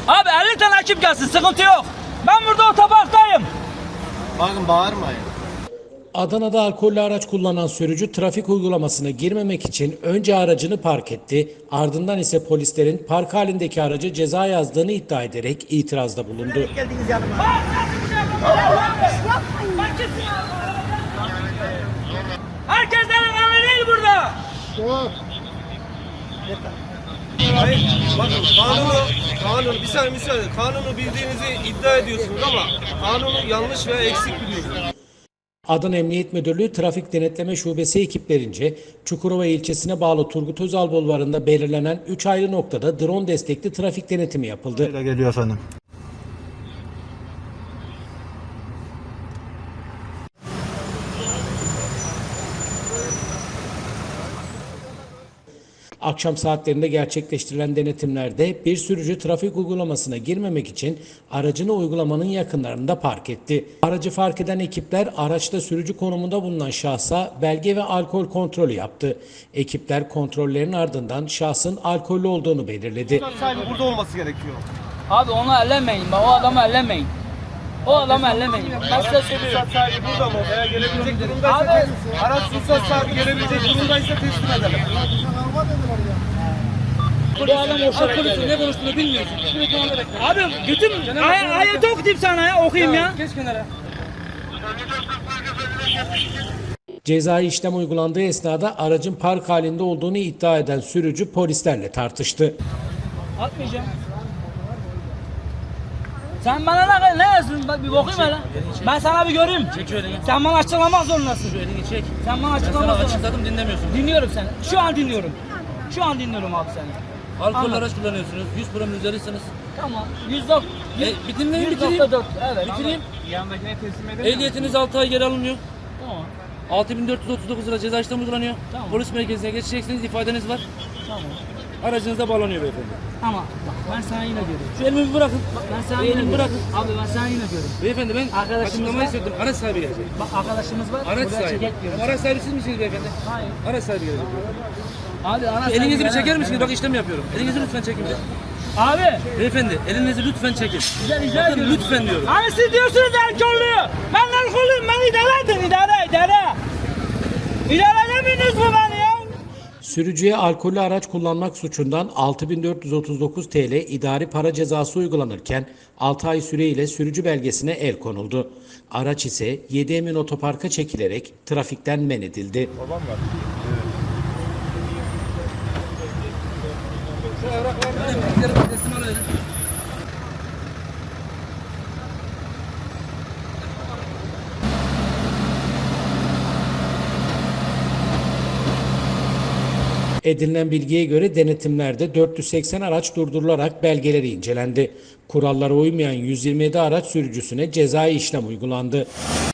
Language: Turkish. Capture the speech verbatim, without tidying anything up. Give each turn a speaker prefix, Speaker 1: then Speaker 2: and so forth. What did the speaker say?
Speaker 1: Abi elli tane ekip gelsin, sıkıntı yok. Ben burada otoparktayım.
Speaker 2: Bakın bağırmayın.
Speaker 3: Adana'da alkollü araç kullanan sürücü trafik uygulamasına girmemek için önce aracını park etti. Ardından ise polislerin park halindeki araca ceza yazdığını iddia ederek itirazda bulundu.
Speaker 1: Geldiniz yanıma. Herkesten önemli değil burada.
Speaker 4: Hayır, bakın kanunu, kanunu, bir saniye, bir saniye, kanunu bildiğinizi iddia ediyorsunuz ama kanunu yanlış veya eksik biliyorsunuz.
Speaker 3: Adana Emniyet Müdürlüğü Trafik Denetleme Şubesi ekiplerince Çukurova ilçesine bağlı Turgut Özal Bulvarı'nda belirlenen üç ayrı noktada drone destekli trafik denetimi yapıldı.
Speaker 2: Geliyor efendim.
Speaker 3: Akşam saatlerinde gerçekleştirilen denetimlerde bir sürücü trafik uygulamasına girmemek için aracını uygulamanın yakınlarında park etti. Aracı fark eden ekipler araçta sürücü konumunda bulunan şahsa belge ve alkol kontrolü yaptı. Ekipler kontrollerin ardından şahsın alkollü olduğunu belirledi.
Speaker 4: Sahibi burada olması gerekiyor.
Speaker 1: Abi onu ellemeyin, o adamı ellemeyin. O adamı ellemeyin. Ben size söylüyorum.
Speaker 4: Ruhsat sahibi burada mı? Eğer gelebilecek durumdaysa,
Speaker 1: Abi.
Speaker 4: araç ruhsat sahibi gelebilecek durumdaysa teslim edelim.
Speaker 1: Bu adam alkolüsün, ne konuştuğunu bilmiyorsun. Abi bütün ay ayeti okuyayım sana ya, okuyayım ya. Geç kenara.
Speaker 3: Cezai işlem uygulandığı esnada aracın park halinde olduğunu iddia eden sürücü polislerle tartıştı.
Speaker 1: Atmayacağım. Sen bana ne ne yazsın? Bak bir bakayım hele. Ben sana bir göreyim.
Speaker 5: Çek şu elini.
Speaker 1: Sen bana açıklamak zorundasın.
Speaker 5: Şu elini çek.
Speaker 1: Sen bana
Speaker 5: Ben
Speaker 1: açıklamak
Speaker 5: sana
Speaker 1: zorundasın.
Speaker 5: açıkladım, dinlemiyorsun.
Speaker 1: Dinliyorum seni. Şu an dinliyorum. Şu an dinliyorum abi seni.
Speaker 5: Alkol
Speaker 1: Anladım.
Speaker 5: araç kullanıyorsunuz. yüz promil üzeriyseniz.
Speaker 1: Tamam. yüz dok.
Speaker 5: E, bir dinleyin,
Speaker 1: yüz
Speaker 5: bitireyim.
Speaker 1: nokta dört. Evet.
Speaker 5: Bitireyim.
Speaker 4: Yanındakine teslim edelim.
Speaker 5: Ehliyetiniz altı ay geri alınıyor.
Speaker 1: Tamam.
Speaker 5: altı bin dört yüz otuz dokuz lira ceza işlemi uygulanıyor.
Speaker 1: Tamam.
Speaker 5: Polis merkezine geçeceksiniz, ifadeniz var.
Speaker 1: Tamam.
Speaker 5: Aracınız da bağlanıyor beyefendi.
Speaker 1: Ama bak ben sana yine görüyorum.
Speaker 5: Şu elimi bir bırakın.
Speaker 1: Bak ben sana
Speaker 5: Bir
Speaker 1: yine
Speaker 5: elimi
Speaker 1: görüyorum.
Speaker 5: bırakın.
Speaker 1: Abi ben sana yine görüyorum.
Speaker 5: Beyefendi ben
Speaker 1: Arkadaşımız
Speaker 5: açıklamayı
Speaker 1: var.
Speaker 5: söyledim. Araç sahibi gelecek.
Speaker 1: Bak arkadaşımız var.
Speaker 5: Araç
Speaker 1: Buraya
Speaker 5: sahibi.
Speaker 1: çekek diyoruz.
Speaker 5: Ama araç sahibi siz misiniz beyefendi?
Speaker 1: Hayır.
Speaker 5: Araç sahibi gelecek.
Speaker 1: Abi ana
Speaker 5: Şu
Speaker 1: sen
Speaker 5: elinizi bir
Speaker 1: güven-
Speaker 5: çeker misiniz? Bak işlem yapıyorum. Elinizi lütfen çekin. bir.
Speaker 1: Abi.
Speaker 5: Beyefendi elinizi lütfen çekin.
Speaker 1: Rica, rica
Speaker 5: Bakın
Speaker 1: ediyorum.
Speaker 5: lütfen diyorum.
Speaker 1: Hani siz diyorsunuz alkollü. Ben alkollüyüm. Ben idare edin. idare idare. İdare edemiyorsunuz mu beni ya?
Speaker 3: Sürücüye alkollü araç kullanmak suçundan altı bin dört yüz otuz dokuz T L idari para cezası uygulanırken altı ay süreyle sürücü belgesine el konuldu. Araç ise yedi Emin Otopark'a çekilerek trafikten men edildi.
Speaker 5: Şu evrakları teslim alalım.
Speaker 3: Edinilen bilgiye göre denetimlerde dört yüz seksen araç durdurularak belgeleri incelendi. Kurallara uymayan yüz yirmi yedi araç sürücüsüne cezai işlem uygulandı.